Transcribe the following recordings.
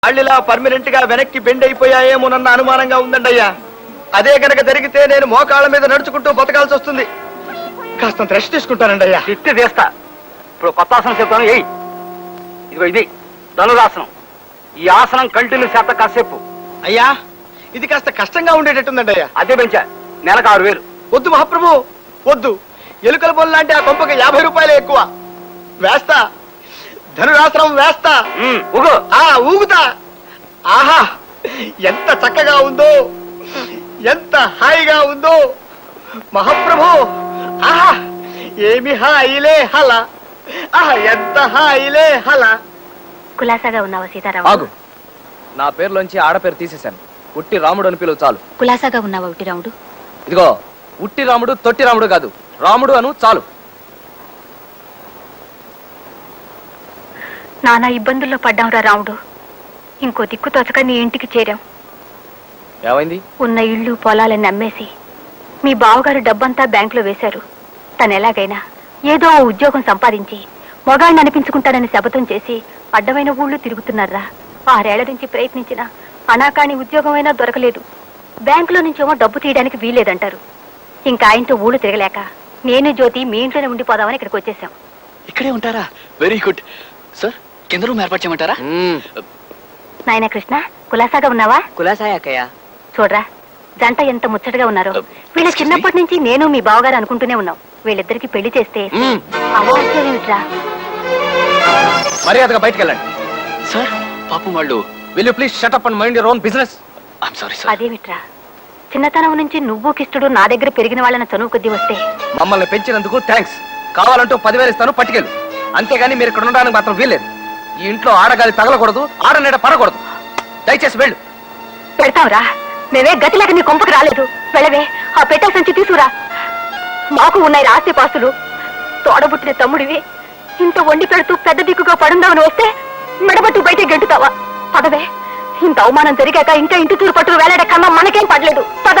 అళ్ళిలా permanent గా వెనక్కి bend అయిపోయాయేమోనన్న అనుమానంగా ఉందండి అయ్యా. అదే కనుక జరిగితే నేను మోకాళ్ళ మీద నడుచుకుంటూ బతకాల్సి వస్తుంది. కాస్త రెస్ట్ తీసుకుంటానండి అయ్యా. తిట్టి చేస్తా. ఇప్పుడు కొత్త ఆసనం చెప్తాను. ఇదిగో ఇది ధనురాసనం. ఈ ఆసనం కంటిన్యూ చేత కాసేపు. అయ్యా ఇది కాస్త కష్టంగా ఉండేటట్టుందండి అయ్యా. అదే పెంచా, నెలకు 6000. వద్దు మహాప్రభు వద్దు. ఎలుకల పొల లాంటి ఆ కొంపకి 50 రూపాయలే ఎక్కువ. వేస్తా, ధనురాసనం వేస్తా. ఊగుతా. ఆహా ఎంత చక్కగా ఉందో, ఎంత హాయిగా ఉందో మహాప్రభు. ఆహా ఏమి హాయిలే హల. ఆహా ఎంత హాయిలే హల. కులాసాగా ఉన్నావా సీతారామ? ఆగు, నా పేరులోంచి ఆడపేరు తీసేశాను. ఉట్టి రాముడు అని పిలువు చాలు. కులాసాగా ఉన్నావా ఉట్టి రాముడు? ఇదిగో ఉట్టి రాముడు తొట్టి రాముడు కాదు, రాముడు అను చాలు. నానా ఇబ్బందుల్లో పడ్డాంరా రాముడు. ఇంకో దిక్కు తోచక నీ ఇంటికి చేరాం. ఏమైంది? ఉన్న ఇళ్ళు పొలాలని అమ్మేసి మీ బావగారు డబ్బంతా బ్యాంకులో వేశారు. తను ఎలాగైనా ఏదో ఓ ఉద్యోగం సంపాదించి మొగాడిని అనిపించుకుంటాడని శపథం చేసి అడ్డమైన ఊళ్ళు తిరుగుతున్నారా. 6 ఏళ్ల నుంచి ప్రయత్నించినా అనాకాని ఉద్యోగమైనా దొరకలేదు. బ్యాంకులో నుంచేమో డబ్బు తీయడానికి వీల్లేదంటారు. ఇంకా ఆయనతో ఊళ్ళు తిరగలేక నేను జ్యోతి మీ ఇంట్లోనే ఉండిపోదామని ఇక్కడికి వచ్చేసాం. ఇక్కడే ఉంటారా? Very good sir. కింద రూమ్ ఏర్పాటు చేయమంటారా? నాయన కృష్ణ, కులాసాగా ఉన్నావా? కులాసాయక్కయ్య. చూడరా జంట ఎంత ముచ్చటగా ఉన్నారో. వీళ్ళ చిన్నప్పటి నుంచి నేను మీ బావగారు అనుకుంటూనే ఉన్నాం. వీళ్ళిద్దరికి పెళ్లి చేస్తే అవాచ్యమేమిట్రా? మర్యాదగా బయటకు వెళ్ళండి. సార్ పాపం వాళ్ళు. Will you please shut up and mind your own business. I'm sorry sir. అదేమిట్రా, చిన్నతనం నుంచి నువ్వు కిష్టుడు నా దగ్గర పెరిగిన వాళ్ళని చనువు కొద్దీ వస్తే మమ్మల్ని పెంచినందుకు థ్యాంక్స్. కావాలంటూ 10,000 ఇస్తాను, పట్టుకెళ్ళు. అంతేగాని మీరు ఇక్కడ ఉండడానికి మాత్రం వీల్లేదు. ఈ ఇంట్లో ఆడగాలి తగలకూడదు, ఆడనీడ పడకూడదు. దయచేసి వెళ్ళు. పెడతావురా? మేమే గతిలేక నీ కొంపకు రాలేదు. వెళ్ళవే, ఆ పెట్టె సంచి తీసుకురా. మాకు ఉన్నాయి ఆస్తి పాస్తులు. తోడబుట్టిన తమ్ముడివి ఇంత వండి పెడుతూ పెద్ద దిక్కుగా పడుందామని వస్తే మెడబట్టు బయట గెంటుతావా? పదవే, ఇంత అవమానం జరిగాక ఇంకా ఇంటి తూరు పట్టుకు వేలాడే కన్నా మనకేం పడలేదు. పద.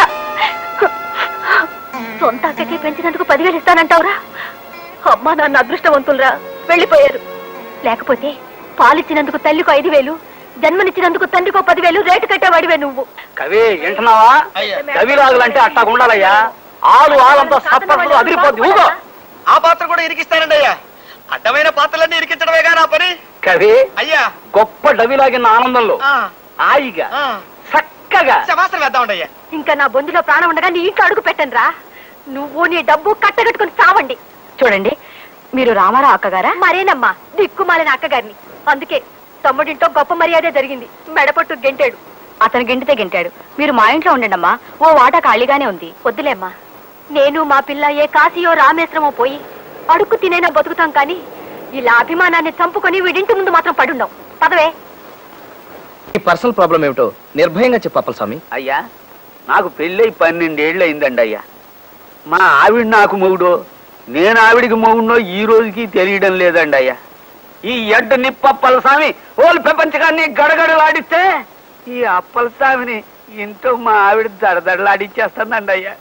సొంత అక్కకి పెంచినందుకు 10,000 ఇస్తానంటావురా? అమ్మా నాన్న అదృష్టవంతులరా, వెళ్ళిపోయారు. లేకపోతే పాలిచ్చినందుకు తల్లికో 5,000, జన్మనిచ్చినందుకు తండ్రికో 10,000 రేటు కట్టేవాడివే నువ్వు. కవి వింటున్నావా? కవి రాగులంటే అట్టా ఉండాలయ్యా. ఆలంతా సప్పట్లు అదిరిపోద్ది. ఊగో. ఆ పాత్ర కూడా ఇరికిస్తానండి అయ్యా. అడ్డమైన పాత్రలన్నీ ఇరికించడమేగా నా పని. కవి అయ్యా గొప్ప డవిలాగిన ఆనందంలో హాయిగా చక్కగా శమాసనం వేద్దామండి అయ్యా. ఇంకా నా బొందులో ప్రాణం ఉండగా నీ ఇంట్లో అడుగు పెట్టండి రా. నువ్వు నీ డబ్బు కట్టగట్టుకుని చావండి. చూడండి, మీరు రామారావు అక్కగారా? మరేనమ్మా, దిక్కుమాలిన అక్కగారిని. అందుకే తమ్ముడింటో గొప్ప మర్యాదే జరిగింది. మెడపట్టు గెంటాడు. అతను గెంటితే గెంటాడు. మీరు మా ఇంట్లో ఉండండమ్మా, ఓ వాటా ఖాళీగానే ఉంది. వద్దులేమ్మా, నేను మా పిల్ల ఏ కాశీయో రామేశ్వరమో పోయి అడుక్కు తినైనా బతుకుతాం. కానీ ఇలా అభిమానాన్ని చంపుకొని వీడింటి ముందు మాత్రం పడుండం. పదవే. ఈ పర్సనల్ ప్రాబ్లం ఏమిటో నిర్భయంగా చెప్పాలి స్వామి. అయ్యా, నాకు పెళ్ళై 12 ఏళ్ళు అయిందండి అయ్యా. మా ఆవిడ నాకు మొగుడో, నేను ఆవిడికి మొగుడో ఈ రోజుకి తెలియడం లేదండి అయ్యా. ఈ ఎడ్డు నిప్పప్పల స్వామి ఓలు ప్రపంచకాన్ని గడగడలాడిస్తే ఈ అప్పల స్వామిని ఇంట్లో మా ఆవిడ దడదడలాడిచ్చేస్తుందండి అయ్యా.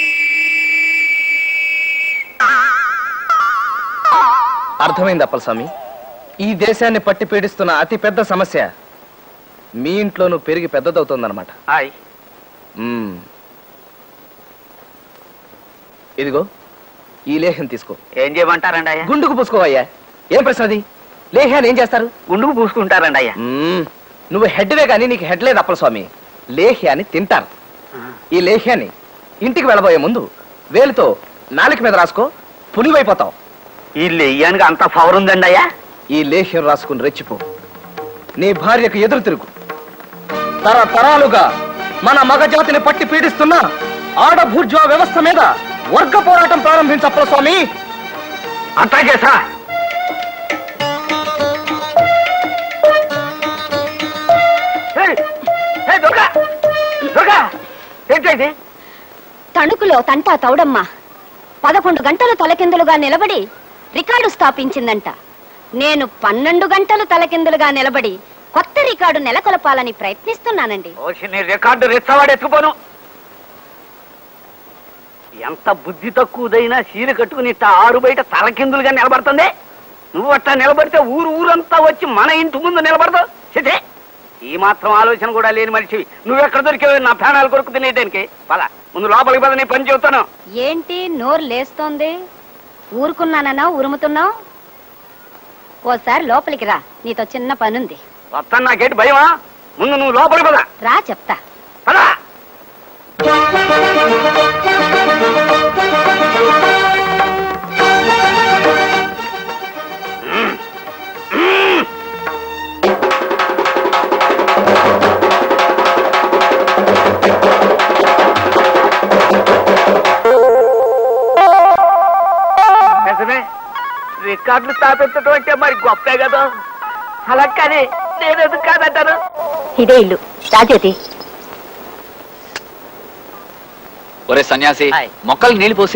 అర్థమైంది అప్పలస్వామి. ఈ దేశాన్ని పట్టి పీడిస్తున్న అతి పెద్ద సమస్య మీ ఇంట్లోనూ పెరిగి పెద్దదవుతుందన్నమాట. హాయ్. ఇదిగో ఈ లేహ్యం తీసుకో. ఏం చేయమంటారండి అయ్యా? గుండుకు పూసుకోవయ్యా. ఏం ప్రశ్న అది? లేహ్యాన్ని ఏం చేస్తారు? గుండుకు పూసుకుంటారండి అయ్యా. నువ్వు హెడ్వే కానీ నీకు హెడ్ లేదు అప్పలస్వామి. లేహ్యాన్ని తింటారు. ఈ లేహ్యాన్ని ఇంటికి వెళ్ళబోయే ముందు వేలుతో నాలుక మీద రాసుకో, పులివైపోతావు. ఈ లెయ్యానికి అంత పవర్ ఉందండి అయ్యా. ఈ లేహ్యం రాసుకుని రెచ్చిపో. నీ భార్యకు ఎదురు తిరుగు. తరతరాలుగా మన మగజాతిని పట్టి పీడిస్తున్న ఆడభూర్జా వ్యవస్థ మీద వర్గ పోరాటం ప్రారంభించప్పల స్వామి. అట్లాగే సార్. ఏంటండి? తణుకులో తంటా తౌడమ్మ 11 గంటలు తలకిందులుగా నిలబడి రికార్డు స్థాపించిందంట. నేను 12 గంటలు తలకిందులుగా నిలబడి కొత్త రికార్డు నెలకొల్పాలని ప్రయత్నిస్తున్నానండి. రికార్డు రెచ్చవాడెత్తుకోను. ఎంత బుద్ధి తక్కువదైనా చీర కట్టుకుని ఆరు బయట తలకిందులుగా నిలబడుతుంది. నువ్వు అట్లా నిలబడితే ఊరంతా వచ్చి మన ఇంటి ముందు నిలబడదు. ఈ మాత్రం ఆలోచన కూడా లేని మనిషివి నువ్వెక్కడ దొరికేవి నా ప్రాణాలు కొరకు తినేదానికి పద ముందు లోపలికి పద నీ పని చెబుతాను. ఏంటి నోరు లేస్తోంది? ఊరుకున్నానన్నా ఉరుముతున్నావు? ఓసారి లోపలికి రా, నీతో చిన్న పనుంది. వస్తాను, నాకేంటి భయమా? ముందు నువ్వు లోపలికి పద. రా చెప్తా. పదా రికార్డులు స్థాపించడం అంటే మరి గొప్పే కదా. అలా కానీ నేను ఎందుకు కాదంటాను. ఇదే ఇల్లు రాజేతి. ఒరే సన్యాసి, మొక్కలు నీళ్లు పోసి.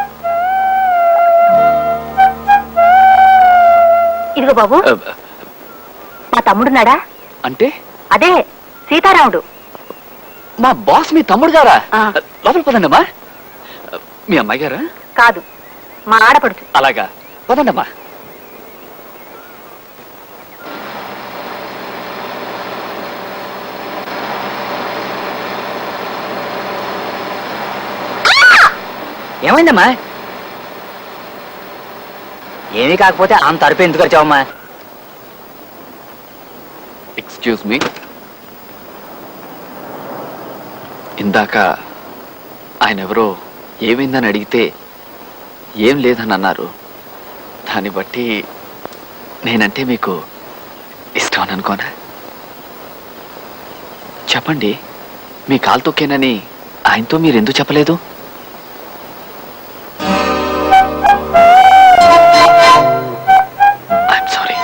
ఇదిగో బాబు, మా తమ్ముడున్నాడా? అంటే అదే సీతారాముడు. మా బాస్ మీ తమ్ముడు గారా? ఆ. లోపల పదండమ్మా. మీ అమ్మాయి గారా? కాదు, మా ఆడపడుచు. అలాగా, పదండమ్మా. ఏమైందమ్మా? ఏమీ కాకపోతే అంత అరుపు ఎందుకు వచ్చావమ్మా? ఎక్స్క్యూజ్ మీ, ఇందాక ఆయన ఎవరో ఏమైందని అడిగితే ఏం లేదని అన్నారు. దాన్ని బట్టి నేనంటే మీకు ఇష్టం అని అనుకోనా? చెప్పండి, మీ కాలు తొక్కేనని ఆయనతో మీరు ఎందుకు చెప్పలేదు? I'm sorry.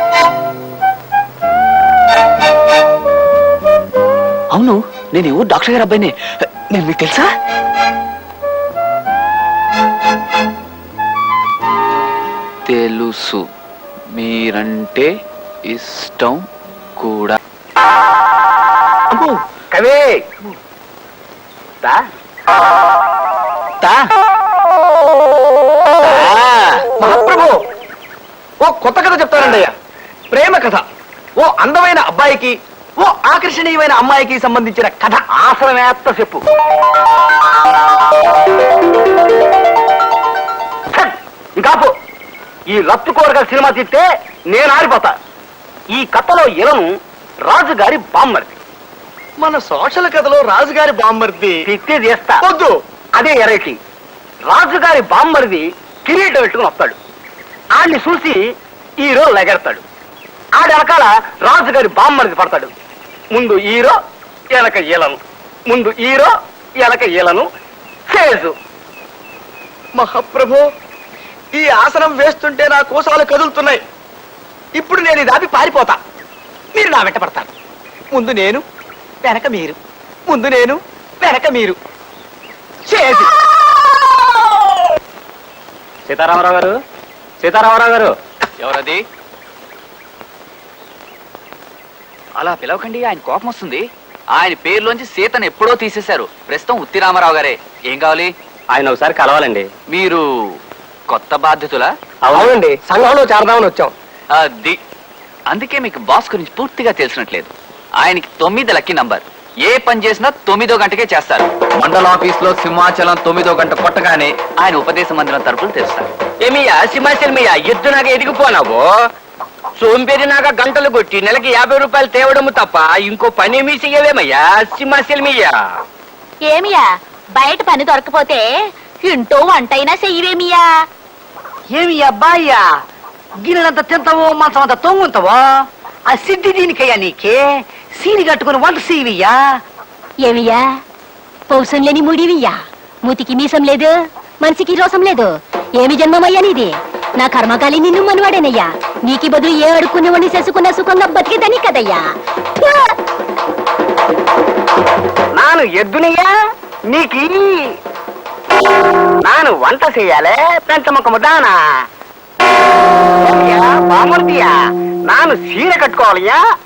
అవును, నేను ఎవరు డాక్టర్ గారు అబ్బాయిని. నేను మీకు తెలుసా? తెలుసు, మీరంటే ఇష్టం కూడా. అమ్మో, కవి మహాప్రభు, ఓ కొత్త కథ చెప్తానండి అయ్యా. ప్రేమ కథ. ఓ అందమైన అబ్బాయికి, ఓ ఆకర్షణీయమైన అమ్మాయికి సంబంధించిన కథ. ఆసనమేత్త చెప్పు. ఇంకాపు ఈ లత్తు కోరగల సినిమా తిట్టే నేను ఆరిపోతా. ఈ కథలో ఇలను రాజుగారి బామ్మర్ది. మన సోషల్ కథలో రాజుగారి బామ్మర్ది తిట్టి చేస్తా. వద్దు. అదే ఎరైటీ. రాజుగారి బామ్మరిది కిరీటం పెట్టుకుని వస్తాడు. ఆడిని చూసి హీరో లెగెడతాడు. ఆడి వెనకాల రాజుగారి బామ్మరిది పడతాడు. ముందు హీరో, వెనక ఈలను. ముందు హీరో, వెనక ఈలను. చేజు. మహాప్రభు, ఈ ఆసనం వేస్తుంటే నా కోసాలు కదులుతున్నాయి. ఇప్పుడు నేను ఇది ఆపి పారిపోతా. మీరు నా వెంట పడతారు. ముందు నేను, వెనక మీరు. ముందు నేను, వెనక మీరు. చేసి సీతారామరావు గారు, సీతారామరావు గారు. ఎవరది? అలా పిలవకండి, ఆయన కోపం వస్తుంది. ఆయన పేరులోంచి సీతను ఎప్పుడో తీసేశారు. ప్రస్తుతం ఉత్తి రామారావు గారే. ఏం కావాలి? ఆయన ఒకసారి కలవాలండి. మీరు కొత్త బాధ్యతలా? అవునండి, సంఘంలో చేరదామని వచ్చాం. అది అందుకే మీకు బాస్ గురించి పూర్తిగా తెలిసినట్లేదు. ఆయనకి 9 లక్కీ నంబర్. ఏ పని చేసినా 9వ గంటకే చేస్తారు. మండల ఆఫీస్ లో సింహాచలం 9వ గంట కొట్టగానే ఆయన ఉపదేశ మందిరం తరపులు తెరుస్తారు. ఏమియా సింహాచలమయ్యా, ఎద్దు నాకు ఎదిగిపోనావు. సోంపేరి నాక గంటలు కొట్టి నెలకి 50 రూపాయలు తేవడము తప్ప ఇంకో పని ఏమీ చెయ్యలేమయ్యా సింహాచలమయ్యా. ఏమియా, బయట పని దొరకపోతే ఇంటో వంటైనా చెయ్యవేమియా? ఏమి అబ్బాయ్యా, గిన్నెలంత తింటావో మంచం అంత తొంగుంటావో? ఆ సిద్ధి దీనికయ్యా నీకే. సీని కట్టుకుని వంట సీవియ్యా. ఏమియా, పౌసం లేని ముడివియ్యా. మూతికి మీసం లేదు, మనిషికి రోసం లేదు. ఏమి జన్మమయ్యా నీది? నా కర్మకాలి నిన్ను మనవాడేనయ్యా. నీకి బదులు ఏ అడుక్కునేవాడిని చేసుకున్న సుఖంగా బతికేదని కదయ్యా. నాను ఎద్దునయ్యా, నీకి నాను వంట చెయ్యాలే పెంచముఖము దానా బామర్దియా. నాను సీర కట్టుకోవాలయ్యా.